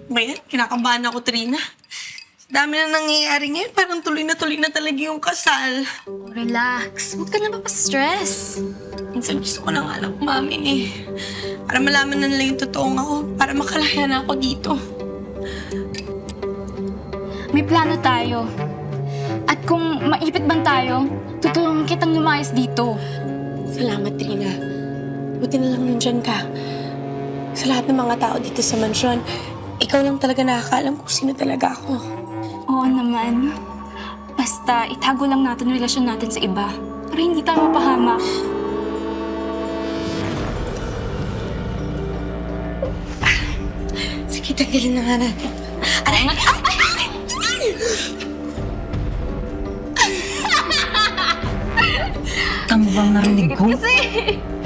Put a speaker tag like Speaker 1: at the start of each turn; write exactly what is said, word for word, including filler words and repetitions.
Speaker 1: Ngayon, kinakabahan ako, Trina. Sa dami na nangyayari ngayon, parang tuloy na tuloy na talaga yung kasal.
Speaker 2: Relax. Huwag ka na mapastress.
Speaker 1: Minsan gusto ko na nga lang umamin eh. Para malaman na nila yung totoong ako, para makalaya na ako dito.
Speaker 2: May plano tayo. At kung maipit man tayo, tutulungan kitang lumayas dito.
Speaker 1: Salamat, Trina. Buti na lang nandyan ka. Sa lahat ng mga tao dito sa mansyon, ikaw lang talaga nakakaalam kung sino talaga ako.
Speaker 2: Oo naman. Basta itago lang natin yung relasyon natin sa iba para hindi tayo mapahamak.
Speaker 1: Sige, tanggalin na nga natin. Aray! Ay! Ay!
Speaker 3: Tama bang narinig ko?
Speaker 2: Kasi...